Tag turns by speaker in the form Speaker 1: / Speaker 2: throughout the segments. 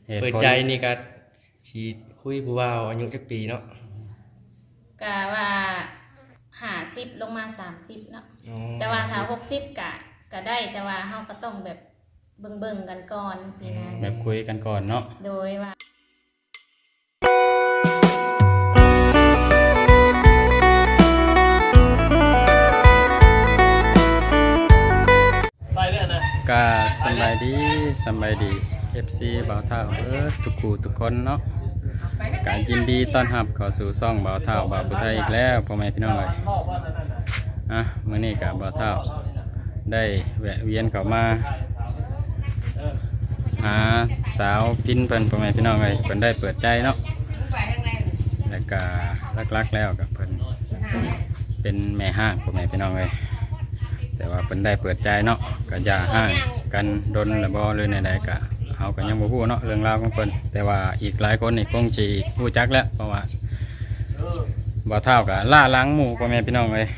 Speaker 1: เปิดใจนี่ก็สิคุยผู้ว่าอายุจักปีเนาะ
Speaker 2: กะว่า50ลงมา30เนาะแต่ว่าถ้า60กะได้แต่ว่าเฮาก็ต้องแบบเบิ่งกันก่อนสินะ
Speaker 3: แบบคุยกันก่อนเนาะ
Speaker 2: โดยว่า
Speaker 3: ก็สบายดี FC บ่าวเท่าทุกคู่ทุกคนเนาะก็ยินดีต้อนรับเข้าสู่ช่องบ่าวเท่าบ่าวผู้ไทยอีกแล้วพ่อแม่พี่น้องเอ้ยมื้อนี้ก็บ่าวเท่าได้แวะเวียนเข้ามาหาสาวพินเพิ่นพ่อแม่พี่น้องเอ้ยเพิ่นได้เปิดใจเนาะแล้วก็ลักๆแล้วก็เพิ่นเป็นแม่ห้างพ่อแม่พี่น้องเอ้ยแต่ว่าเพิ่นได้เปิดใจเนาะก็อย่าห่างกันดนและบ่เลยในใดก็เฮาก็ยังบ่ฮู้เนาะเรื่องราวของเพิ่นแต่ว่าอีกหลายคนนี่คงสิฮู้จักแล้วเพราะว่าบ่เท่าก็ล่าล้างหมู่พ่อแม่พี่น้องเอ้ย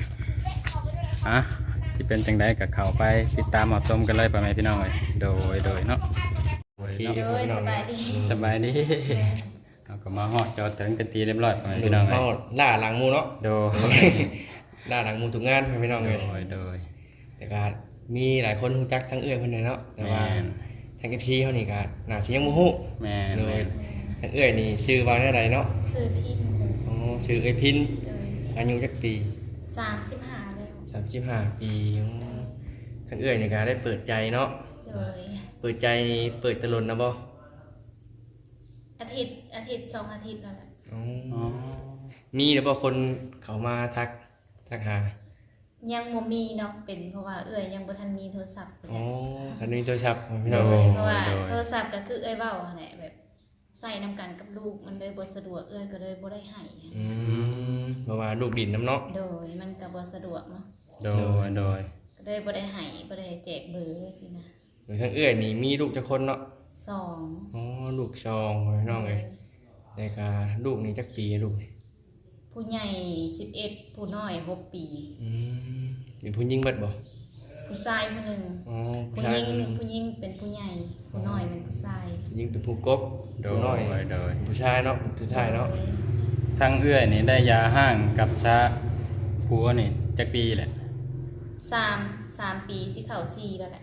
Speaker 3: สิเป็นจังไดก็เข้าไปติดตามรับชมกันเลยพ่อแม่พี่น้องเอ้ยโดยเนาะ
Speaker 2: โดยสบายดี
Speaker 3: เฮาก็มาฮอดจอดถึงเป็นทีเรียบร้อยพ่อแม่พี่น้องเอ้ย
Speaker 1: ล่าหลังหมู่เนาะ
Speaker 3: โดย
Speaker 1: ล่าหลังหมู่ทุกงานพี่น้องเอ้ย
Speaker 3: โดย
Speaker 1: แต่ก็มีหลายคนรู้จักทั้งเอื้อยเพิ่นเนาะแต่ว่าทาง FC เฮานี่ก็น่าสิยังบ่ฮู้
Speaker 3: แม่น
Speaker 1: เลยทางเอื้อยนี่ชื่อว่าแนวใดเนาะ
Speaker 2: ชื่อพิน
Speaker 1: อ๋อชื่อเอื้อยพินอายุจักปี
Speaker 2: 35แล้ว
Speaker 1: 35ปีทางเอื้อยนี่ก็ได้เปิดใจเนาะ
Speaker 2: โดย
Speaker 1: เปิดใจนี่เปิดตะลนนะบ่
Speaker 2: อาทิตย์2 อาทิตย์แล้วแหละ
Speaker 1: อ๋อมีแล้วบ่คนเขามาทักหา
Speaker 2: ยังบ่มีเนาะเป็นเพราะว่าเอื้อยยังบ่ทันมีโทรศัพท์
Speaker 1: อ๋อทันมีโทรศัพท์พี่น้อง
Speaker 2: เพราะว่าโทรศัพท์ก็คือเอื้อยเว้าแหละแบบใส่นำกันกับลูกมันเลยบ่สะดวกเอื้อยก็เลยบ่ได้ให้
Speaker 1: เพราะว่าลูกดินน้ำเนาะ
Speaker 2: โดยมันก็บ่สะดวกเนาะ
Speaker 3: โดย
Speaker 2: ก็เลยบ่ได้ให้บ่ได้แจกเบอร์สินะ
Speaker 1: โดยทั้งเอื้อยนี่มีลูกจักคนเนาะ
Speaker 2: 2
Speaker 1: อ๋อลูก2พี่น้องเอ้ยแต่ก็ลูกนี่จักปีลูก
Speaker 2: ผู้ใหญ่11ผู้น้อย6ปี
Speaker 1: เป็นผู้หญิงเบิดบ่
Speaker 2: ผู้ชายผู้นึง
Speaker 1: อ๋อ
Speaker 2: ผู้หญิงเป็นผู้ใหญ่ผู้น้อยเป็นผู้ชาย
Speaker 1: ผู้หญิงเป็นผู้กบผู้น้อยผู้ชายเนาะผู้ชายเนาะ
Speaker 3: ทั้งเอื้อยนี่ได้ยาห้างกับชาผัวนี่จักปีแหละ
Speaker 2: 3ปีสิเข้า4แล้วแหละ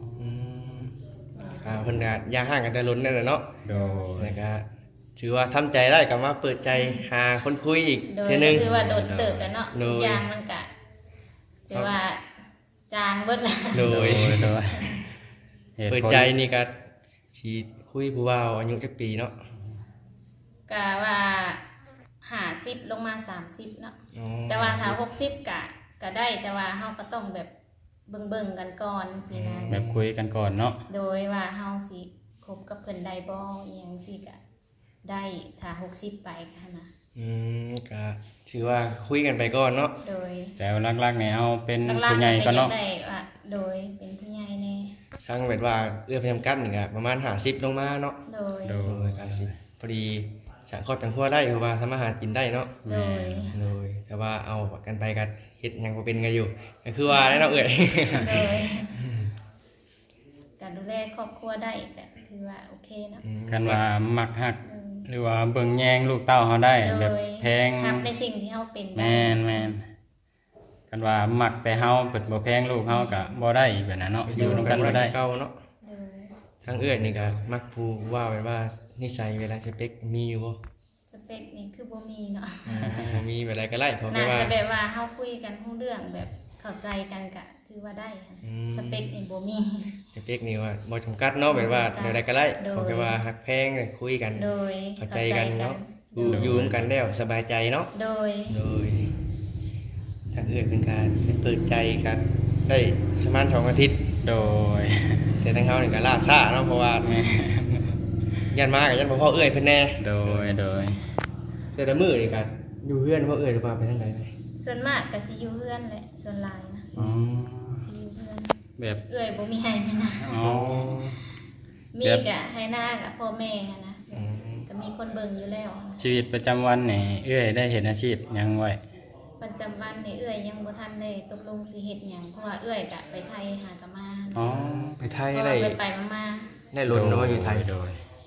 Speaker 1: เพิ่นก็ยาห่างกันแต่ล้นนั่นแหละเนาะ
Speaker 3: โดย
Speaker 1: แล้วก็ถือว่าทำใจได้กับมาเปิดใจหาคนคุยอีกเทื่อนึง
Speaker 2: คือว่าโดนเติบกันเนาะทุกอย่างมันก็ถือว่าจางเบิดละ
Speaker 1: โดยเปิดใจนี่ก็สิคุยผู้ว่าอายุจักปีเนาะ
Speaker 2: ก็ว่า50ลงมา30เนาะแต่ว่าถ้า60ก็ได้แต่ว่าเฮาก็ต้องแบบเบิ่งกันก่อนสินะ
Speaker 3: แบบคุยกันก่อนเนาะ
Speaker 2: โดยว่าเฮาสิคบกับเพิ่นได้บ่อีหยังสิก็ได้ถ้า60ไปค่ะนะ
Speaker 1: ก็ถือว่าคุยกันไปก่อนเนาะ
Speaker 2: โดย
Speaker 3: แต่หลักๆเนี่ยเอาเป็นผู้ใหญ่ก่อนเนาะ
Speaker 2: ได้ว่าโดยเป็นผู้ใหญ่แน่
Speaker 1: ทั้งแบบว่าเอื้อพยายามกั้นนี่ก็ประมาณ50ลงมาเนาะ
Speaker 2: โดย
Speaker 1: ก็สิพอดีสังครอบจังครัวได้เพราะว่าทำอาหารกินได้เนาะ
Speaker 2: โดย
Speaker 1: แต่ว่าเอากันไปก็เฮ็ดหยังบ่เป็นกันอยู่ก็คือว่าได้เนาะเอ้ย
Speaker 2: โดยการดูแลครอบครัวได้ก็ถือว่าโอเคเนาะ
Speaker 3: กันว่ามักฮักหรือว่าเบิ่งแยงลูกเต้าเฮาได้แบบแพง
Speaker 2: ครับในสิ่งที่เฮาเป็น
Speaker 3: แม่นกันว่ามักแต่เฮาเปิดบ่แพงลูกเฮาก็บ่ได้แบบนั้นเนาะอยู่นำกันบ่ได้
Speaker 1: เก่าเนาะทางเอื้อยนี่ก็มักผู้ว่าไว้ว่านิสัยเวลาสเปคมีอยู่บ่
Speaker 2: สเปคนี่คือบ่มีเนาะ
Speaker 1: มีแบบไรก็ไล่เขา
Speaker 2: น่าจะแบบว่าเฮาคุยกันรู้เรื่องแบบเข้าใจกันก็ถือว่าได้ค่ะสเปคนี่บ่มี
Speaker 1: สเปคนี่ว่าบ่จำกัดเนาะแบบว่าแบบไรก็ไล่เขาแค่ว่าฮักแพงคุยกันเข้าใจกันเนาะอยู่ร่วมกันแล้วสบายใจเนาะโดยทางเอื้อยเป็นการเปิดใจกันได้ประมาณ2 อาทิตย์
Speaker 3: โดย
Speaker 1: แต่ทางเขานี่ก็ล่าช้าเนาะเพราะว่ายันมากับยันพ่อเอื้อยเพิ่นแน่
Speaker 3: โดย
Speaker 1: แต่ละมื้อนี่ก็อยู่เฮือนพ่อเอื้อยหรือว่าไปทางใด
Speaker 2: ส่วนมากก็สิอยู่เฮือนแหละส่วนหลายนะสิอยู่เฮือน
Speaker 3: แบบ
Speaker 2: เอื้อยบ่มีให้มีนามีก็ให้หน้ากับพ่อแม่นะก็มีคนเบิ่งอยู่แล้ว
Speaker 3: ชีวิตประจำวันนี่เอื้อยได้เฮ็ดอาชีพหยังไว้
Speaker 2: ประจำวันนี่เอื้อยยังบ่ทันได้ตกลงสิเฮ็ดหยังเพราะว่าเอื้อยก็ไปไทยหากะมา
Speaker 1: ไปไทยได้
Speaker 2: ไปมา
Speaker 1: ได้รถเนาะอยู่ไทย
Speaker 2: ไ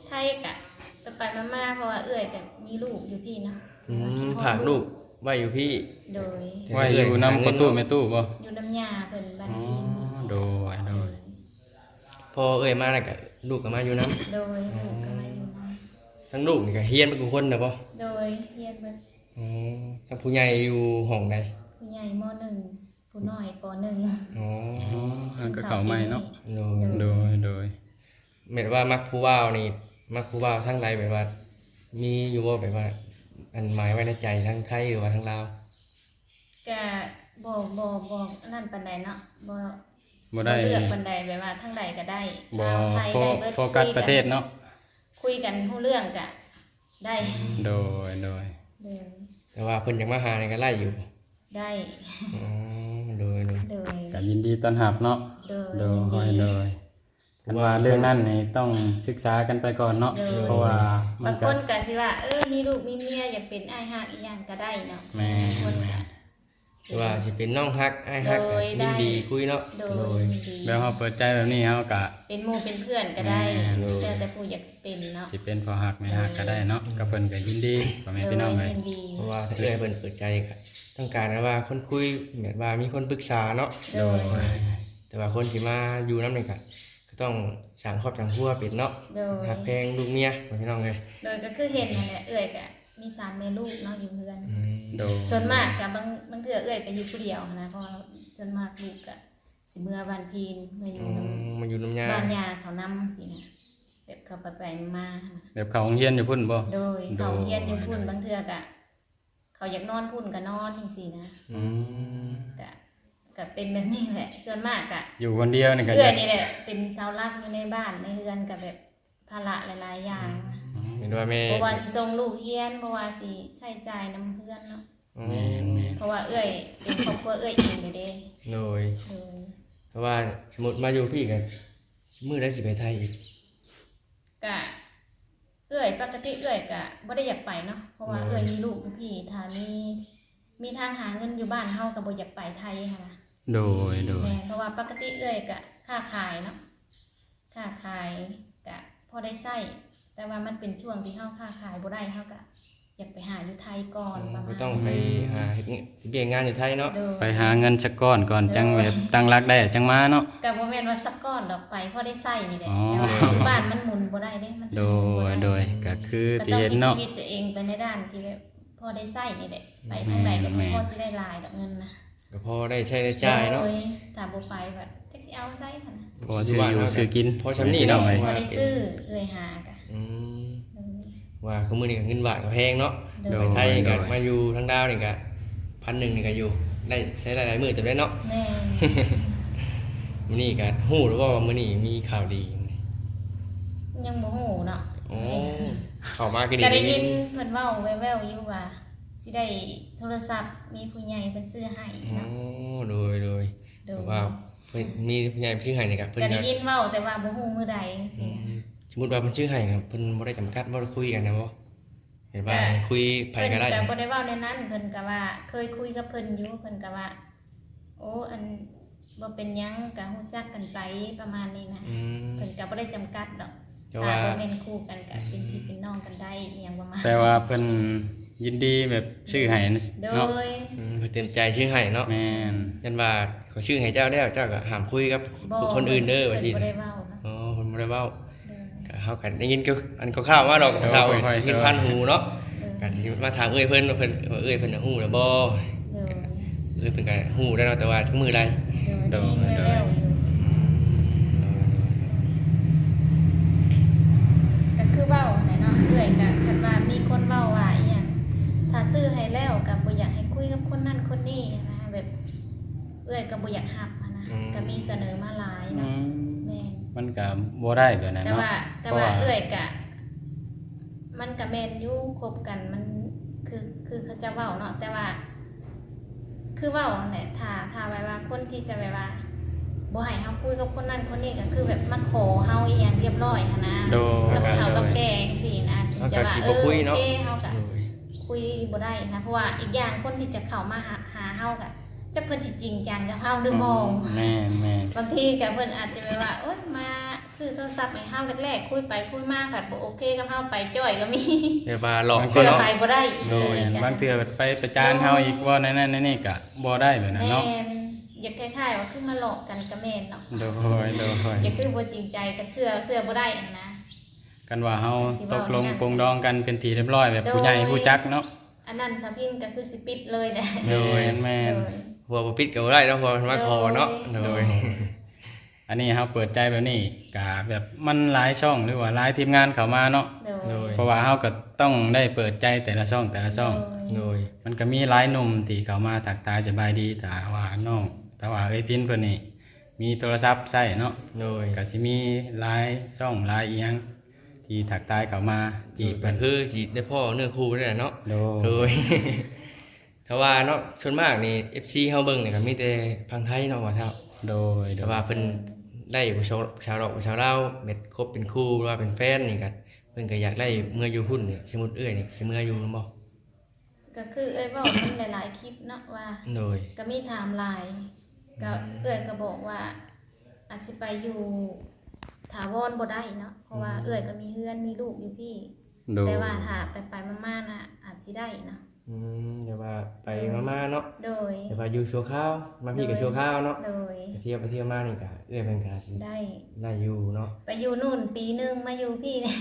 Speaker 2: ไทยกะไปมาๆเพราะว่าเอื้อยก็มีลูกอยู่พี่เนาะ
Speaker 1: ผากลูกไว้อยู่พี่
Speaker 2: โดย
Speaker 3: ไว้อยู่นำประตูแม่ตู้บ่
Speaker 2: อยู่น้ำยาเพิ่นบ้าน
Speaker 3: อ๋อ
Speaker 2: พี่
Speaker 3: โดยโดย
Speaker 1: พอเอ้ยมาแล้วก็ลูกก็มาอยู่นํ
Speaker 2: โดยลูกก็มาอยู่น
Speaker 1: ทั้งลูกนี่ก็เฮียนเป็นคนนะบ่
Speaker 2: ำโดยเฮียนเบิด
Speaker 1: อ๋อทั้งผู้ใหญ่อยู่ห้องใด
Speaker 2: ผู้ใหญ่ม .1 ผู้น้อยป .1
Speaker 1: อ๋อ
Speaker 3: อ๋ออันก็เข้าใหม่เนาะ
Speaker 1: โดย
Speaker 3: โดยโดย
Speaker 1: แม่นว่ามักผู้ว่าวนี่มักผู้ว่าวทั้งใดแบบว่า มีอยู่บ่แบบว่า อันหมายไว้ในใจทั้งไทยหรือว่าทั้งลาว
Speaker 2: ก็บ่นั่นปานใดเนาะบ่
Speaker 3: บ่ได้
Speaker 2: เลือกปานใดแบบว่าทั้งใดก็ได้
Speaker 3: บ่
Speaker 2: ลาวไทยได้เบิด
Speaker 3: โฟกัสประเทศเนาะ
Speaker 2: คุยกันรู้เรื่องก็ได้
Speaker 3: โดยโดย
Speaker 2: เดิน
Speaker 1: แต่ว่าเพิ่นอยากมาหานี่ก็ไล่อยู่
Speaker 2: ได้
Speaker 1: อ๋อโดย
Speaker 2: โดย
Speaker 3: ก็ยินดีต้อนรับเนาะ
Speaker 2: โดย
Speaker 3: โด
Speaker 2: ยิน
Speaker 3: ย
Speaker 2: ดี
Speaker 3: โดยกันว่าเรื่องนั้นนี่ต้องศึกษากันไปก่อนเนาะ
Speaker 2: โดย
Speaker 3: เพราะว่ามั
Speaker 2: บาน ง
Speaker 3: ก็
Speaker 2: คนก็สิว่ามีลูกมีเมียอยากเป็นอ้ายฮักอีหยังก็ได้เนาะ
Speaker 3: แม่
Speaker 2: บางคนก็
Speaker 1: หรือว่าสิเป็นน้องฮักอ้ายฮัก
Speaker 2: โดย
Speaker 1: ยินดี
Speaker 2: ได้
Speaker 1: คุยเนาะ
Speaker 2: โด
Speaker 1: โด
Speaker 2: ย
Speaker 1: ย
Speaker 2: ยินดี
Speaker 3: แล้วเฮาเปิดใจแบบนี้เฮาก็
Speaker 2: เป็นหมู่เป็นเพื่อนก็ได้
Speaker 3: แม่
Speaker 2: แต่ผู้อยากสิเป็นเนาะ
Speaker 3: สิเป็นพอฮักไม่ฮักก็ได้เนาะก็เพิ่นก็ยินดีพ่อแม่พี่น้องเอ้ย
Speaker 2: ยินดี
Speaker 1: เพราะว่าถ้าเอ้ยเพิ่นเปิดใจก็ต้องการว่าคนคุยแบบว่ามีคนปรึกษาเนาะ
Speaker 2: โดย
Speaker 1: แต่ว่าคนที่มาอยู่นำนี่ก็ต้องสร้างครอบครัวเป็นเนาะ
Speaker 2: โดย
Speaker 1: หักแพงลูกเมียพี่น้องเอ้ย
Speaker 2: โดยก็คือเห็นนั่นแหละก็มีสามแม่ลูกเนาะอยู่เพื่อน
Speaker 3: โดย
Speaker 2: ส่วนมากกับบางเทื่อก็อยู่ผู้เดียวนะเพราะว่าส่วนมากลูกก็สิเมื่อบ้านพีนมาอยู่นำ
Speaker 1: มาอยู่น้ำยา
Speaker 2: บ้านยาเขานำสินะแบบเขาไปมานะ
Speaker 3: แบบเขาโรงเรียนอยู่พุ่นบ่
Speaker 2: โดยเขาเฮียนอยู่พุ่นบางเทื่อกะเขาอยากนอนพุ่นก็นอนจังซี่นะ
Speaker 3: อืม
Speaker 2: ก็เป็นแบบนี้แหละส่วนมากกะ
Speaker 3: อยู่คนเดียวนี่ก็
Speaker 2: เอื้อยนี่แหละเป็นเสาหลักอยู่ในบ้านในเรือนกับแบบภาระหลายๆอย่าง
Speaker 1: เห็นว่าแม่
Speaker 2: เพราะว่าสิส่งลูกเฮียนเพราะว่าสิใช้จ่ายนํเพื่อนเนาะ
Speaker 3: แม่นแม่น
Speaker 2: เพราะว่าเอื้อยเป็นครอบครัวเอื้อยเองเลยเด้
Speaker 1: โดย
Speaker 2: โดย
Speaker 1: เพราะว่าสมมุติมาอยู่พี่กันมื้อได้สิไปไทยอีก
Speaker 2: กะเอื้อยปกติเอื้อยกะบ่ได้อยากไปเนาะเพราะว่าเอื้อยมีลูกอยู่พี่ถ้ามีทางหาเงินอยู่บ้านเฮาก็บ่อยากไปไทยค่ะนะ
Speaker 3: โดยโดย
Speaker 2: แม่เพราะว่าปกติเอื้อยกะค้าขายเนาะค้าขายกะพอได้ใช้แต่ว่ามันเป็นช่วงที่เฮาค้าขายบ่ได้เฮาก็อยากไปหาอยู่ไทยก่อนประมา
Speaker 1: ก็
Speaker 2: ณ
Speaker 1: ต้องไปหาเฮ็ดเบี้ยงานอยู่ไทยเนาะ
Speaker 2: โดย
Speaker 3: ไปหาเงินสักก้อนก่อนจังแบบตั้งรักได้จังมาเนาะ
Speaker 2: ก็บ่แม่นว่าสักก้อนดอกไปพอได้ใช้นี่แหละ
Speaker 3: อ๋อ
Speaker 2: แต่ว่าอยู่บ้านมันหมุนบ่ได้เด้มัน
Speaker 3: โดยโดยก็คือ
Speaker 2: ก็
Speaker 3: ที่
Speaker 2: ต้อง
Speaker 3: เห็น
Speaker 2: มี
Speaker 3: เนาะ
Speaker 2: ชีวิตตัวเองไปในด้านที่แบบพอได้ใช้นี่แหละไปทางใดก็
Speaker 3: แม่
Speaker 2: พอสิได้หลายดอกเงินนะ
Speaker 1: ก็พอได้ใช้ได้จ่ายเนาะ
Speaker 2: โดยถ้าบ่ไปบัดจักสิเอาไสค่ะนะ
Speaker 3: พอซื้ออยู่ซื้อกิน
Speaker 1: พอชำนี่เนาะ
Speaker 3: ไป
Speaker 2: พอได้ซื้อเอื้อยหากะ
Speaker 1: อืมว่าคือมื้อนี้ก็เงินบาทก็แพงเนาะ
Speaker 2: โด
Speaker 1: ไป
Speaker 2: ย
Speaker 1: ไทยก็มาอยู่ทางดาวนี่ก็1,100นี่ก็อยู่ได้ใช้หลายๆมื้อแต่ได้เนาะ
Speaker 2: แม่
Speaker 1: มื้อนี้ก็ฮู้หรือว่ามื้อนี้มีข่าวดี
Speaker 2: ยังบ่ฮู้เนาะ
Speaker 1: โอ้เข้ามาก็ดี
Speaker 2: ก็ได้ยินเพิ่นเว้าแว่วๆอยู่ว่าสิได้โทรศัพท์มีผู้ใหญ่เพิ่นซื้อให้
Speaker 1: โอ้
Speaker 2: เนาะ
Speaker 1: โดย
Speaker 2: โดย
Speaker 1: ว่าเพิ่นมีผู้ใหญ่ชื่อให้นี่ครับเพิ่น
Speaker 2: ก็ได้
Speaker 1: ก็
Speaker 2: ยินเว้าแต่ว่าบ่ฮู้มื้อใดสินะ
Speaker 1: สมมุติว่าเพิ่นชื่อให้ครับเพิ่นบ่ได้จำกัดบ่ได้คุยกันนะบ่เห็นว่าคุยไผก็ได้
Speaker 2: เพิ่นก็บ่ได้เว้าในนั้นเพิ่นก็ว่าเคยคุยกับเพิ่นอยู่เพิ่นก็ว่า โอ้อันบ่เป็นหยังก็ฮู้จักกันไปประมาณนี้นะ
Speaker 1: อืม
Speaker 2: เพิ่นก็บ่ได้จำกัดดอก
Speaker 1: แต่
Speaker 2: ถ้า
Speaker 1: ว่า
Speaker 2: บ่แม่นคู่กันก็เป็นพี่เป็นน้องกันได้อหยังประมาณ
Speaker 3: แต่ว่าเพิ่นยินดีแบบชื่อให้
Speaker 2: โด
Speaker 3: เนาะ
Speaker 2: ย
Speaker 1: เพิ่นเต็มใจชื่อให้เนาะ
Speaker 3: แม่น
Speaker 1: ยันว่าเขาชื่อให้เจ้าแล้วเจ้าก็ห้ามคุยกับ
Speaker 2: บ่
Speaker 1: คนอื่นเด้อว่า
Speaker 2: เพิ่
Speaker 1: ซี่
Speaker 2: นบ่ได้เว้านะ
Speaker 1: อ๋อเพิ่นบ่ได้เว้า
Speaker 2: โดย
Speaker 1: ก็เฮากันได้ยินก็อันคร่าวๆว่าดอกเราเห็นพันหูเนาะ
Speaker 2: โดย
Speaker 1: กันที่มาถามเอ้ยเพิ่นว่าเพิ่นว่าเอ้ยเพิ่นน่ะฮู้แล้วบ่
Speaker 2: โดย
Speaker 1: เอ้ยเพิ่นก็ฮู้ได้เนาะแต่ว่าทุกมื้อใด
Speaker 2: โดยมีแววๆอยู่ก็คือเว้าไหนเนาะเอื้อยก็คันว่ามีคนเว้าว่าอีหยังถ้าซื้อให้แล้วก็บ่อยากให้คุยกับคนนั้นคนนี้นะแบบเอื้อยก็บ่อยากรับอะนะก็มีเสนอมาหลาย
Speaker 3: อื
Speaker 2: เนาะ
Speaker 3: ม
Speaker 2: แม่น
Speaker 3: มันก็บ่ได้แบบนั้น
Speaker 2: แต่
Speaker 3: เนาะ
Speaker 2: ว่า
Speaker 3: เพราะว่า
Speaker 2: เอื้อยก็มันก็แม่นอยู่คบกันมันคือเขาจะเว้าเนาะแต่ว่า คือเว้านั่นแหละถ้าไว้ว่าคนที่จะไว้ว่าบ่ให้เฮาคุยกับคนนั้นคนนี้ก็คือแบบมาขอเฮาอีหยังเรียบร้อยหันนะ
Speaker 3: โดย
Speaker 2: กับเขากับแกงสินะถึงจะว่าโอเคเฮาก็
Speaker 1: โดย
Speaker 2: คุยบ่ได้นะเพราะว่าอีกอย่างคนที่จะเข้ามาหาเฮาก็จักเพิ่นสิจริงจังกับเฮาหรือบ่
Speaker 3: แม่นแม่น
Speaker 2: บางทีก็เพิ่นอาจจะแบบว่าโอ๊ยมาซื้อโทรศัพท์ให้เฮาแรกๆคุยไปคุยมาผัดบ่โอเคกับเฮาไปจ้อยก็มี
Speaker 1: แบบว่าหลอกค
Speaker 2: เสื้
Speaker 1: น
Speaker 2: อ
Speaker 1: เนาะ
Speaker 2: ไปบ่ได้อีก
Speaker 3: โดยบางเทื่อไปประจานเฮาอีกว่านั่นนี่ก็บ่ได้แบบนั้น
Speaker 2: แม่
Speaker 3: เนาะ
Speaker 2: นอยากคล้ายๆว่าคือมาหลอกกันก็แม่นเนาะ
Speaker 3: โดย
Speaker 2: อยากคือบ่จริงใจกับเสื้อบ่ได้อันนะ
Speaker 3: กันว่าเฮา
Speaker 2: สิ
Speaker 3: ต
Speaker 2: เว้าก
Speaker 3: ลง
Speaker 2: อย่างนั้น
Speaker 3: ปรงดองกันเป็นทีเรียบร้อยแบบผู้ใหญ่ผู้จักเนาะ
Speaker 2: อันนั้นสะพินก็คือสิปิดเลยแหละ
Speaker 3: โดยแม่น
Speaker 2: โดย
Speaker 1: หัวบ่ปิดก็บ่ได้เนาะหัวมันมาคอเนาะโดย
Speaker 3: อันนี้เฮาเปิดใจแบบนี้ก็แบบมันหลายช่องหรือว่าหลายทีมงานเข้ามาเนาะ
Speaker 2: โดย
Speaker 3: เพราะว่าเฮาก็ต้องได้เปิดใจแต่ละช่อง
Speaker 1: โดย
Speaker 3: มันก็มีหลายหนุ่มที่เข้ามาทักทายสบายดีแต่ว่าน้องแต่ว่าเอ้ยพินเพิ่นนี่มีโทรศัพท์ใช้เนาะ
Speaker 1: โดย
Speaker 3: ก็สิมีหลายช่องหลายอีหยังที่ทักทายเข้ามาจีบ
Speaker 1: ก็
Speaker 3: เพิ่น
Speaker 1: คือสิได้พ่อเนื้อคู่นี่แหละเนาะ
Speaker 3: โด
Speaker 1: โด
Speaker 3: ย
Speaker 1: ย ถ้าว่าเนาะส่วนมากนี่ FC เฮาเบิ่งนี่ก็มีแต่พังไทยเนาะว่าเท่า
Speaker 3: โดย
Speaker 1: แต่ว่าเพิ่นได้ผู้ชาวดอกผู้ชาวลาวเม็ดคบเป็นคู่หรือว่าเป็นแฟนนี่ก็เพิ่นก็อยากได้เมื่ออยู่พุ่นนี่สมมุติเอ้ยนี่สิเมื่ออยู่บ่
Speaker 2: ก็คือเอ้ยบอกมันหลายๆคลิปเนาะว่า
Speaker 1: โดย
Speaker 2: ก็มีไทม์ไลน์ก็เอ้ยก็บอกว่า อาจสิไปอยู่ถาวรบ่ได้เนาะเพราะว่าเอ้ยก็มีเฮือนมีลูกอยู่พี่
Speaker 3: โดย
Speaker 2: แต่ว่าถ้าไปมาๆน่ะอาจสิได้เนาะ
Speaker 1: เดี๋ยวว่าไปมาๆเนาะ
Speaker 2: โดย
Speaker 1: เดี๋ยวว่าอยู่ชั่วคราวมาพี่ก็ชั่วคราวเนาะ
Speaker 2: โดย
Speaker 1: ไปเที่ยวมานี่ก็เอ้ยเพิ่นก็สิ
Speaker 2: ได้
Speaker 1: ได้อยู่เนาะ
Speaker 2: ไปอยู่นู่นปีหนึงมาอยู่พี่เนี่ย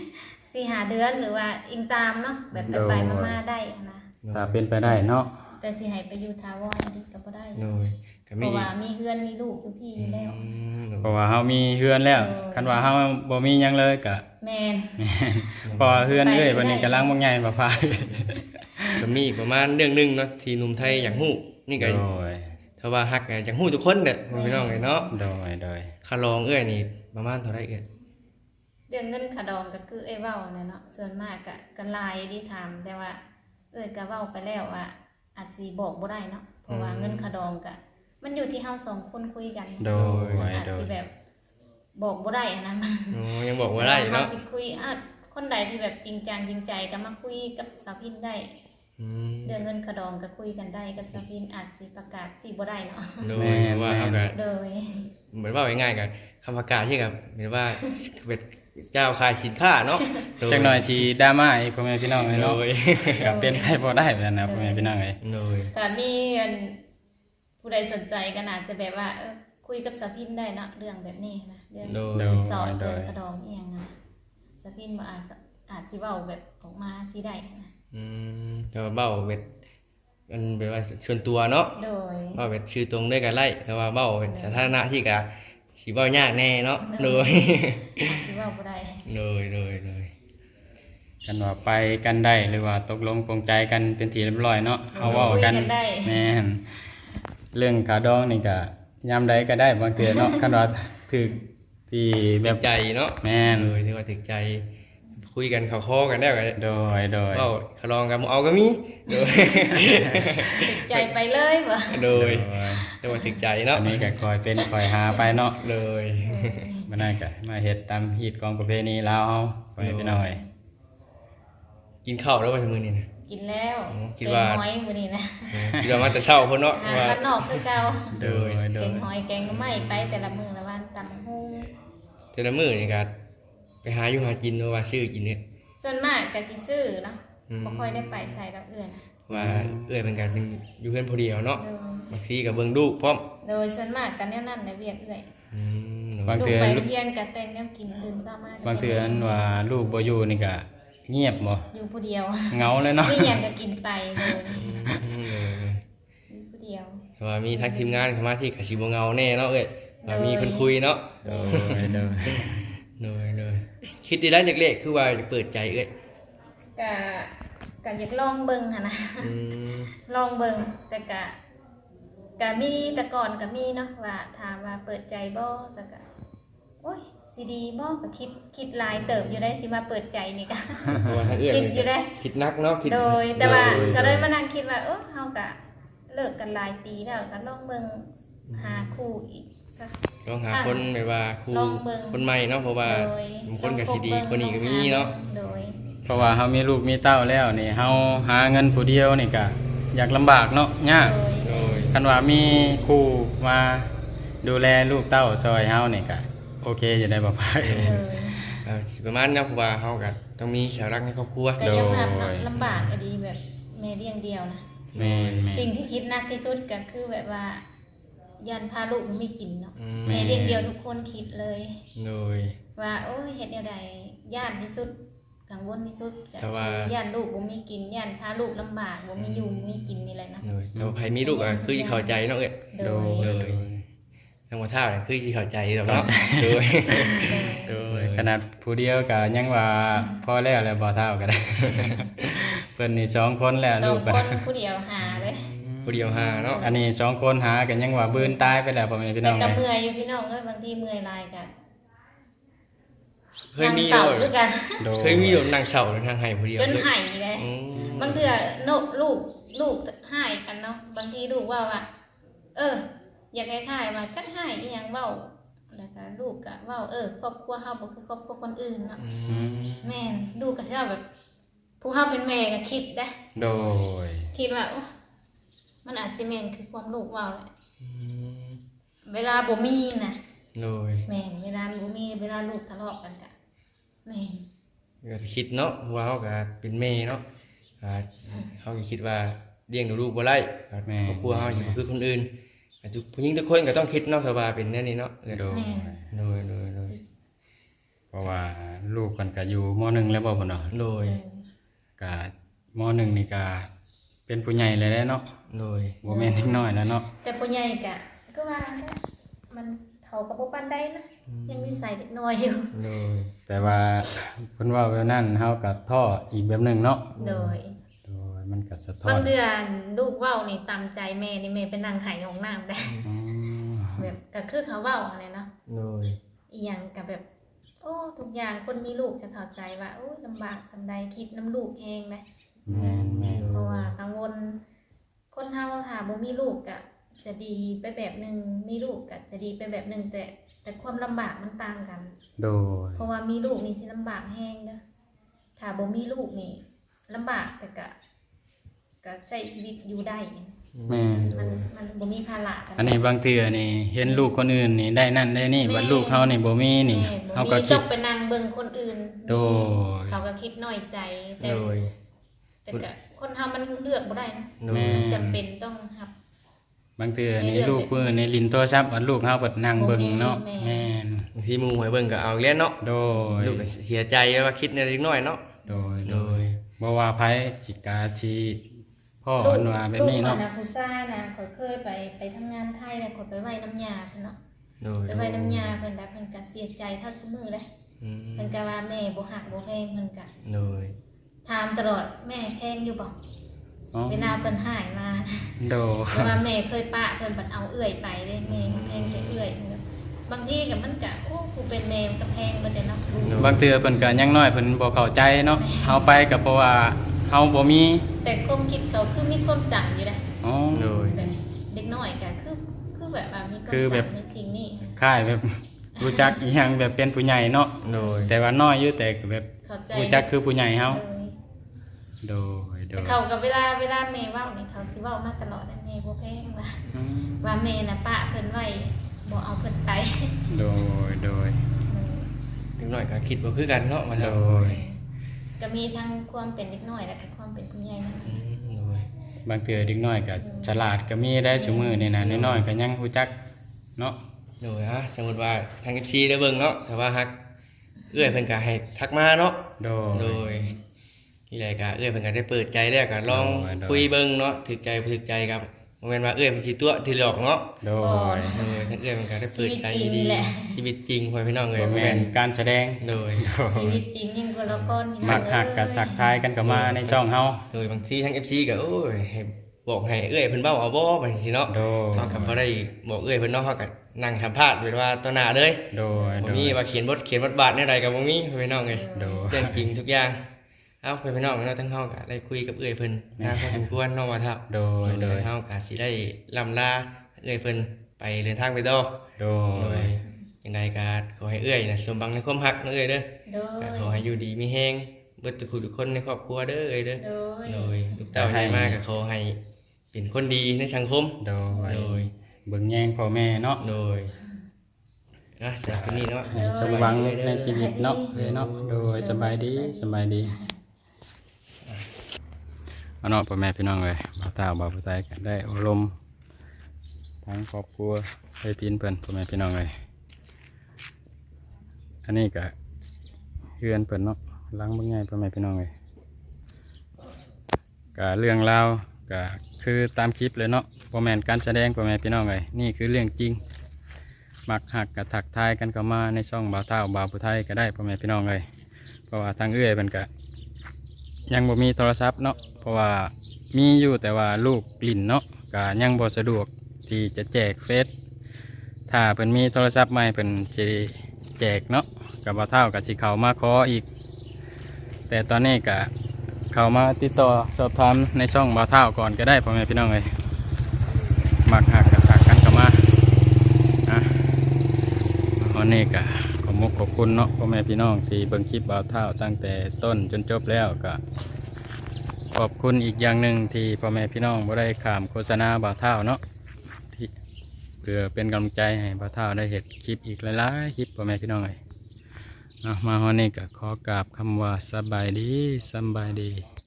Speaker 2: 4-5 เดือนหรือว่าอิงตามเนาะแบบไปมาๆได้นะ
Speaker 3: ถ้าเป็นไปได้เนาะ
Speaker 2: แต่สิให้ไปอยู่ถาวรอันนี้ก็บ่ได้
Speaker 1: โดยก็
Speaker 2: เพ
Speaker 1: มี
Speaker 2: ราะว่ามีเฮือนมีลูกอยู่พี่อยู่แล้ว
Speaker 3: เพราะว่าเฮามีเฮือนแล้วคันว่าเฮาบ่มีหยังเลยก็
Speaker 2: แม่น
Speaker 3: เพอเฮือนเอ้ยวันนี้กำลังบ่ใหญ่บ่ฟ้า
Speaker 1: ก็มีประมาณเรื่องหนึงเนาะที่หนุ่มไทยอยากฮู้นี่ก็
Speaker 3: โดย
Speaker 1: ถ้าว่าฮักก็อยากฮู้ทุกคนเด้อพี่น้องเอ้ยเนาะ
Speaker 3: โดย
Speaker 1: ค่าลองเอ้ยนี่ประมาณเท่าไหร่เอ้ย
Speaker 2: เรื่องเงินขาดองก็คือเอ้ยเว้าเนี่ยเนาะส่วนมากก็หลายที่ถามแต่ว่า เอ้ยก็เว้าไปแล้วว่า อาจสิบอกบ่ได้เนาะเพราะว่าเงินขาดองก็มันอยู่ที่เฮาสองคนคุยกัน
Speaker 3: โดย
Speaker 2: อาจสิแบบบอกบ่ได้อะนะมัน
Speaker 1: อ๋อยังบอกว่าได้เนาะ
Speaker 2: เฮาสิคุยคนใดที่แบบจริงจังจริงใจก็มาคุยกับสาวพินได้
Speaker 1: อืม
Speaker 2: เรื่องเงินขาดองก็คุยกันได้กับสาวพินอาจสิประกาศสิบ่ได้เนาะ
Speaker 1: โดยว่าเขาก็
Speaker 2: โดย
Speaker 1: เหมือนว่าง่ายๆกันคำประกาศที่กับเหมือนว่าเป็นเจ้าขายสินค้าเนาะโดย
Speaker 3: จักหน่อยสิดราม่าอีกพ่อแม่พี่น้องเอ้ย
Speaker 1: โด
Speaker 3: เนาะ
Speaker 1: ย
Speaker 3: ก็เป็นไปบ่ได้แบบนั้นนะพ่อแม่พี่น้องเอ้ย
Speaker 1: โดย
Speaker 2: แต่มีอันผู้ใดสนใจก็อาจจะแบบว่าคุยกับสาวพินได้เนาะเรื่องแบบนี้นะเรื่อง
Speaker 1: โดย
Speaker 3: โดย
Speaker 2: สอนเรื่องขาดองอีหยังนะสาวพินบ่อาจสิเว้าแบบออกมาสิได้นะ
Speaker 1: แต่ว่าเบ้าเป็นมันเป็นว่าส่วนตัวเนาะ
Speaker 2: โดย
Speaker 1: เบ้าเป็นชื่อตรงด้วยกันไล่แต่ว่าเบ้าเป็นสาธารณะที่กะสีเบ้ายากแน่เนาะโดย
Speaker 2: อาจสิเว้าบ่ได้
Speaker 1: โดย
Speaker 3: กันว่าไปกันได้หรือว่าตกลงปรงใจกันเป็นทีเรียบร้อยเนาะเอาเว้ากัน
Speaker 2: คุยได้
Speaker 3: แม่นเรื่องขาดองนี่ก็ยามใดก็ได้บางเทื่อเนาะคันว่าถึกที่แบ
Speaker 1: แบบ บใจเนาะ
Speaker 3: แม่น
Speaker 1: โดยที่ว่าถึกใจ คุยกันเข้าคอกันได้กัน
Speaker 3: โดย
Speaker 1: เบ้าขลองกันบ่เอาก็มีโดย
Speaker 2: ติดใจไปเลยบ่
Speaker 1: โดยแต่ว่าถึกใจเนาะ
Speaker 3: อันนี้ก็คอยเป็นคอยหาไปเนาะ
Speaker 1: โดย
Speaker 3: บ่ได้ก็มาเฮ็ดตามฮีตของประเพณีลาวเฮาไปพี่น้อย
Speaker 1: กินข้าวแล้วว่าชั่วโมงนี้นะ
Speaker 2: กินแล้ว
Speaker 1: คิดว่า
Speaker 2: แกงหอยมื้อนี้นะ
Speaker 1: คิดว่ามาแต่เช้าพุ่นเนาะ
Speaker 2: อาหาร
Speaker 1: ว่า
Speaker 2: บ้านนอกคือเก่า
Speaker 3: โดย
Speaker 2: แกงหอยแกงหน่อไม้ไปแต่ละมื้อละวันตำฮู้
Speaker 1: แต่ละมื้อนี่ก็ไปหาอยู่หากินว่าซื้อกินเนี่ย
Speaker 2: ส่วนมากก็สิซื้อเนาะ
Speaker 1: อืม
Speaker 2: บ่ค่อยได้ไปใส่กับเอื้อนนะ
Speaker 1: ว่าเอื้อยเป็นการเป็นอยู่เพื่อนผู้เดียวเนาะ
Speaker 2: โดย
Speaker 1: บางทีกับเบิ่งลูกพร้อม
Speaker 2: โดยส่วนมากกันแนวนั้นในเวียกเอื้อย
Speaker 3: บาง
Speaker 2: ลู
Speaker 3: เทื่
Speaker 2: ก
Speaker 3: อ
Speaker 2: ไปเรียนก็แต่งแนวกินอื่นซ้ำมา
Speaker 3: บางเทื่ออันว่าลูกบ่อยู่นี่ก็เงียบบ่
Speaker 2: อยู่ผู้เดียว
Speaker 3: เหงาเลยเนาะ
Speaker 2: มีหยังก็กินไปเลย อยู่ผู้เดียว
Speaker 1: แต่ว่ามีทั้งทีมงานเข้ามาที่กสิบ่เงาแน่เนาะเอ้ยว่ามีคนคุยเนาะ
Speaker 3: โดย
Speaker 1: เลยคิดดีแล้วจากเลขคือว่าจะเปิดใจเอ้ย
Speaker 2: ก็อยากลองเบิ่งหั่นนะ ลองเบิ่งแต่ก็มีแต่ก่อนก็มีเนาะว่าถามว่าเปิดใจบ่แต่ก็โอ้ยสิดีบ่ก็คิดหลายเติบอยู่ได้สิมาเปิดใจนี่ก็
Speaker 1: เพราะว่าถ้าเอ้ย
Speaker 2: คิดอยู่ได้
Speaker 1: คิดนักเนาะคิด
Speaker 2: โดยแต่ว่าก็เลยมานั่งคิดว่าเฮาก็เลิกกันหลายปีแล้วก็ลองเบิ่งหาคู่อีกสัก
Speaker 1: ลองหาคนแบบว่าครู
Speaker 2: ลองเบิ่ง
Speaker 1: คนใหม่เนาะเพราะว่า
Speaker 2: โดย
Speaker 1: บางคนก็สิดีคนนี้ก็มีเนาะ
Speaker 2: โดย
Speaker 3: เพราะว่าเฮามีลูกมีเต้าแล้วนี่เฮาหาเงินผู้เดียวนี่ก็อยากลำบากเนาะยาก
Speaker 2: โดย
Speaker 1: โดย
Speaker 3: คันว่ามีครูมาดูแลลูกเต้าซอยเฮานี่ก็โอเคอยู่ได้บ่พาย
Speaker 2: เลย
Speaker 1: สิประมาณนั้นเพราะว่าเฮาก็ต้องมีเสาหลักในครอบครัว
Speaker 2: แต่ยอมรับเนาะลำบากก็ดีแบบแม่เลี้ยงเดียวนะ
Speaker 3: แม่น
Speaker 2: สิ่งที่คิดหนักที่สุดก็คือแบบว่ายันพาลูกไม่กินเนาะ
Speaker 1: อืม
Speaker 2: แม่เลี้ยงเดียวทุกคนคิดเลย
Speaker 1: โดย
Speaker 2: ว่าโอ้ยเฮ็ดแนวใดย่านที่สุดกังวลที่สุดก็
Speaker 1: แต่ว่า
Speaker 2: ย่านลูกบ่มีกินย่านพาลูกลำบากบ่มีอยู่บ่มีกินนี่แหละนะ
Speaker 1: โดยแต่ว่าใครมีลูกก็คือสิเข้าใจเนาะเอ้ย
Speaker 2: โด
Speaker 3: โด
Speaker 2: ย
Speaker 3: ย
Speaker 1: ทั้งหมดเท่าเนี่ยคือสิเข้าใจดอกเนาะโดย
Speaker 3: โดยขนาดผู้เดียวก็ยังว่าพอแล้วบ่เท่าก็ได้ เพิ่นนี่2คนแล้ว
Speaker 2: สอ
Speaker 3: ลู
Speaker 2: ง
Speaker 3: ก
Speaker 2: คนผู้เดียวหาเลย
Speaker 1: ผู้เดียวหาเนาะ
Speaker 3: อันนี้2คนหากันยังว่าบืนตายไปแล้วพ่อแม่พี่
Speaker 2: แต่
Speaker 3: น้อง
Speaker 2: ก็
Speaker 3: เอ้ย
Speaker 2: เมื่อยอยู่พี่น้องเอ้ยบางทีเมื่อยหลายกัน
Speaker 1: เคยมี
Speaker 2: เสา
Speaker 1: เลย
Speaker 2: คือกัน
Speaker 3: โดย
Speaker 1: เคยมีแบบนางเสาทางไห้ผู้เดียว
Speaker 2: จน
Speaker 1: เลย
Speaker 2: ไห้เลย
Speaker 1: อืม
Speaker 2: บางเทื่อโนลูกหายกันเนาะบางทีลูกว่าอยากคล้ายๆว่าจักหายอีหยังเว้าแล้วก็ลูกก็เว้าครอบครัวเฮาบ่คือครอบครัวคนอื่นเนาะ
Speaker 3: อืม
Speaker 2: แม่นลูกก็สิว่าแบบ ผู้เฮาเป็นแม่ก็คิดได้
Speaker 3: โดย
Speaker 2: คิดว่าโอ้มันอาจสิแม่นคือความลูกเว้าแหละ
Speaker 1: อืม
Speaker 2: เวลาบ่มีน่ะ
Speaker 1: โดย
Speaker 2: แม่นเวลาบ่มีเวลาลูกทะเลาะกันก็แม่น
Speaker 1: ก็คิดเนาะเพราะว่าเขาก็เป็นแม่เนาะเขาก็คิดว่าเลี้ยงดูลูกบ่ได้ครอบครัวเขาอยู่คือคนอื่นทุกผู้หญิงทุกคนก็ต้องคิดเนาะถ้าว่าเป็นแนวนี้เนาะ
Speaker 3: โดย
Speaker 1: โดย
Speaker 3: เพราะว่าลูกเพิ่นก็อยู่ม .1 แล้วบ่พุ่นเนาะ
Speaker 1: โดย
Speaker 3: ก็ม .1 นี่ก็เป็นผู้ใหญ่แล้วแหละเนาะ
Speaker 1: โดย
Speaker 3: บ่แม่นเด็กน้อยแล้วเนาะ
Speaker 2: แต่ผู้ใหญ่ก็ว่านะมันเขาก็บ่ปานใดนะยังมีสายเด็กน้อยอยู่
Speaker 1: โดย
Speaker 3: แต่ว่าเพิ่นเว้าแบบนั้นเฮาก็ท้ออีกแบบหนึงเนาะ
Speaker 2: โดย
Speaker 3: โดยมันก็สะท้อบ
Speaker 2: าง
Speaker 3: น
Speaker 2: เดือนลูกเว้านี่ตามใจแม่นี่แม่ไปนั่งไห้ของน้ำได้
Speaker 3: อ๋อ
Speaker 2: แบบก็คือเขาเว้าอะไรเนาะ
Speaker 1: โดย
Speaker 2: อีหยังก็แบบ โอ้ทุกอย่างคนมีลูกจะเข้าใจว่าโอ้ยลำบากสำใดคิดน้ำลูกเองนะ
Speaker 3: แม่นแม่น
Speaker 2: เพราะว่ากังวลคนเฮาถ้าบ่มีลูกก็จะดีไปแบบหนึงมีลูกก็จะดีไปแบบหนึงแต่ความลำบากมันต่างกัน
Speaker 3: โดย
Speaker 2: เพราะว่ามีลูกนี่สิลำบากแฮงเด้อถ้าบ่มีลูกนี่ลำบากแต่ก็ใช้ชีวิตอยู่ได้
Speaker 3: แม่น
Speaker 2: มันบ่มีภาระกัน
Speaker 3: อันนี้บางเทื่อนี่เห็นลูกคนอื่นนี่ได้นั่นได้นี่บัดลูกเฮานี่บ่มีนี่
Speaker 2: แม่บ่
Speaker 3: เฮา
Speaker 2: มี
Speaker 3: ก็คิ
Speaker 2: ต้
Speaker 3: ด
Speaker 2: องไปนั่งเบิ่งคนอื่น
Speaker 3: โดย
Speaker 2: เขาก็คิดน้อยใจแต่
Speaker 1: โดย
Speaker 2: แต่ก็คนเฮามันเลือกบ่ได้นะ
Speaker 1: โด
Speaker 3: แม่
Speaker 1: ย
Speaker 2: จำเป็นต้องรับ
Speaker 3: บางเทื่อนี่ลูกเพิ่นนี่ลิ้นโทรศัพท์บัดลูกเฮาเปิดนั่งเบิ่งเนาะ
Speaker 2: แม่
Speaker 3: แม่น
Speaker 1: บางทีหมู่ให้เบิ่งก็เอาเล่นเนาะ
Speaker 3: โดย
Speaker 1: ลูกก็เสียใจว่าคิดในเล็กน้อยเนาะ
Speaker 3: โดย
Speaker 1: โดย
Speaker 3: บ่ว่าไผสิกาชีพ่อเพิ่นว่าแบบนี้เนาะ
Speaker 2: ลูกข่อยผู้ชายนะข่อยเคยไปทำงานไทยแล้วข่อยไปไว้น้ำยาเพิ่นเนาะ
Speaker 1: โดย
Speaker 2: ไปไว้น้ำยาเพิ่นแล้วเพิ่นก็เสียใจเท่าซุมื้อเลย
Speaker 1: อืม
Speaker 2: เพิ่นก็ว่าแม่บ่ฮักบ่แพงเพิ่นก็
Speaker 1: โดย
Speaker 2: ถามตลอดแม่แพงอยู่บ่
Speaker 3: อ๋อ
Speaker 2: เวลาเพิ่นหายมา
Speaker 3: โดย
Speaker 2: เพราะว่าแม่เคยปะเพิ่นบัดเอาเอื้อยไปเลยแม่แพงแต่เอื้อยเพิ่นก็บางทีก็มันก็โอ้กูเป็นแม่มันก็แพงเบิดเด้เนาะลูก
Speaker 3: บางเทื่อเพิ่นก็ยังน้อยเพิ่นบ่เข้าใจเนาะเฮาไปก็เพราะว่าเฮาบ่มี
Speaker 2: แต่ความคิดเขาคือมีความจำอยู่นะ
Speaker 3: อ๋อ
Speaker 1: โดย
Speaker 2: แบบเด็กน้อยก็คือแบบว่ามีความ
Speaker 3: คือแบบ
Speaker 2: จำในสิ่งนี้
Speaker 3: คล้ายแบบรู้จักอีหยังแบบเป็นผู้ใหญ่เนาะ
Speaker 1: โดย
Speaker 3: แต่ว่าน้อยอยู่แต่ก็แบบ
Speaker 2: เข้าใจ
Speaker 3: รู้จักคือผู้ใหญ่เฮา
Speaker 2: โดย
Speaker 3: โดย
Speaker 2: แต่เขากับเวลาแม่เว้านี่เขาสิเว้ามาตลอดนะแม่บ่แพงว่า
Speaker 3: อืม
Speaker 2: ว่าแม่น่ะปะเพิ่นไว้บ่เอาเพิ่นไป
Speaker 3: โดยโดย
Speaker 1: เล็กน้อยก็คิดบ่คือกันเนาะมา
Speaker 3: โด
Speaker 1: ทำ
Speaker 3: ย
Speaker 2: ก็มีทั้งความเป็นเด็กน้อยและก็ความเป็นผู้ใหญ่นั่นแหละ
Speaker 1: โดย
Speaker 3: บางเทื่อเด็กน้อยก็ฉลาดก็มีได้ซุมื้อนี่นะน้อยๆก็ยังรู้จักเนาะ
Speaker 1: โดยฮะสมมติว่าทาง FC ได้เบิ่งเนาะแต่ว่าฮักเอื้อยเพิ่นก็ให้ทักมาเนาะ
Speaker 3: โด
Speaker 1: โด
Speaker 3: ย
Speaker 1: ยที่ใดก็เอื้อยเพิ่นก็ได้เปิดใจแล้วก็ลอง
Speaker 3: โดย
Speaker 1: คุยเบิ่งเนาะถึกใจบ่ถึกใจกับบ่แม่นว่าเอื้อยเพิ่นสิตัวที่หลอกเนาะ
Speaker 3: โดย
Speaker 1: โดยท่านเอื้อยเพิ่นก็ได้เปิดใจ
Speaker 2: ชีวิตจริง
Speaker 1: ดี
Speaker 2: แหละ
Speaker 1: ชีวิตจริงพ่อพี่น้องเอ้ย
Speaker 3: บ่
Speaker 1: บ่
Speaker 3: แม่
Speaker 1: แม่
Speaker 3: น
Speaker 1: น
Speaker 3: การแสดง
Speaker 1: โดย
Speaker 3: โด
Speaker 2: ชี
Speaker 3: ย
Speaker 2: วิตจริงยิ่งกว่าละครมี
Speaker 3: มักหักก็ทักทายกันก็มาในช่องเฮา
Speaker 1: โดยบางทีทาง FC ก็โอ้ยให้บอกให้เอื้อยเพิ่นเว้าเอาบ่บางทีเนาะ
Speaker 3: โดย
Speaker 1: เฮาก็บ่ได้บอกเอื้อยเพิ่นเนาะเฮาก็นั่งสัมภาษณ์เป็นว่าต่อหน้าเลย
Speaker 3: โดย
Speaker 1: บ่
Speaker 3: โด
Speaker 1: มี
Speaker 3: ย
Speaker 1: ว่าเขียนบทบาทแนวใดก็บ่มีพ่อพี่น้องเอ้ย
Speaker 3: โดย
Speaker 1: เรื่องจริงทุกอย่าง เอ้าพี่น้องเนาะทั้งเฮาก็ได้คุยกับเอื้อยเพิ่นนะพอสมควรเนาะว่าทับ
Speaker 3: โดยโดย
Speaker 1: เฮาก็สิได้ล่ำลาเอื้อยเพิ่นไปเดินทางไปต่อ
Speaker 3: โด
Speaker 1: โด
Speaker 3: ย
Speaker 1: ยจังไดก็ขอให้เอื้อยน่ะสมบังในความรักเนาะเอ้ยเด้อ
Speaker 2: โด
Speaker 1: ก็
Speaker 2: ย
Speaker 1: ขอให้อยู่ดีมีแฮงเบิดทุกคนในครอบครัวเด้อเอ้ยเด้อ
Speaker 2: โดย
Speaker 1: โดยลูกเต้าให้มาก็ขอให้เป็นคนดีในสังคม
Speaker 3: โดย
Speaker 1: โดย
Speaker 3: เบิ่งแยงพ่อแม่เนาะ
Speaker 1: โดยจากที่นี่เนาะ
Speaker 3: ให้สมหวังในชีวิตเนาะเนาะโดยสบายดีสบายดีเอาเนาะพ่อแม่พี่น้องเลยบ่าวตาบ่าวผู้ใต้ก็ได้อบรมทั้งครอบครัวให้พินเพิ่นพ่อแม่พี่น้องเลยอันนี้ก็เฮือนเพิ่นเนาะล้างเบิ่งง่ายพ่อแม่พี่น้องเลยก็เรื่องราวก็คือตามคลิปเลยเนาะบ่แม่นการแสดงพ่อแม่พี่น้องเลยนี่คือเรื่องจริงมักหักกับถักทายกันเข้ามาในช่องบ่าวเท่าบ่าวผู้ไทยก็ได้พ่อแม่พี่น้องเลยเพราะว่าทางเอื้อยเพิ่นก็ยังบ่มีโทรศัพท์เนาะเพราะว่ามีอยู่แต่ว่าลูกกลิ่นเนาะก็ยังบ่สะดวกที่จะแจกเฟซถ้าเพิ่นมีโทรศัพท์ใหม่เพิ่นสิแจกเนาะกับบ่าวเท่าก็สิเข้ามาขออีกแต่ตอนนี้ก็เข้ามาติดต่อสอบถามในช่องบ่าวเท่าก่อนก็ได้พ่อแม่พี่น้องเลยมักหักกับถักกันเข้ามาวันนี้ก็ขอบขอบคุณเนาะพ่อแม่พี่น้องที่เบิ่งคลิปบ่าวเท่าตั้งแต่ต้นจนจบแล้วก็ขอบคุณอีกอย่างหนึ่งที่พ่อแม่พี่น้องบ่ได้ข้ามโฆษณาบ่าวเท่าเนาะที่เพื่อเป็นกำลังใจให้บ่าวเท่าได้เห็นคลิปอีกหลายๆคลิปพ่อแม่พี่น้องเลยมาวันนี้ก็ขอกราบคำว่าสบายดีสบายดี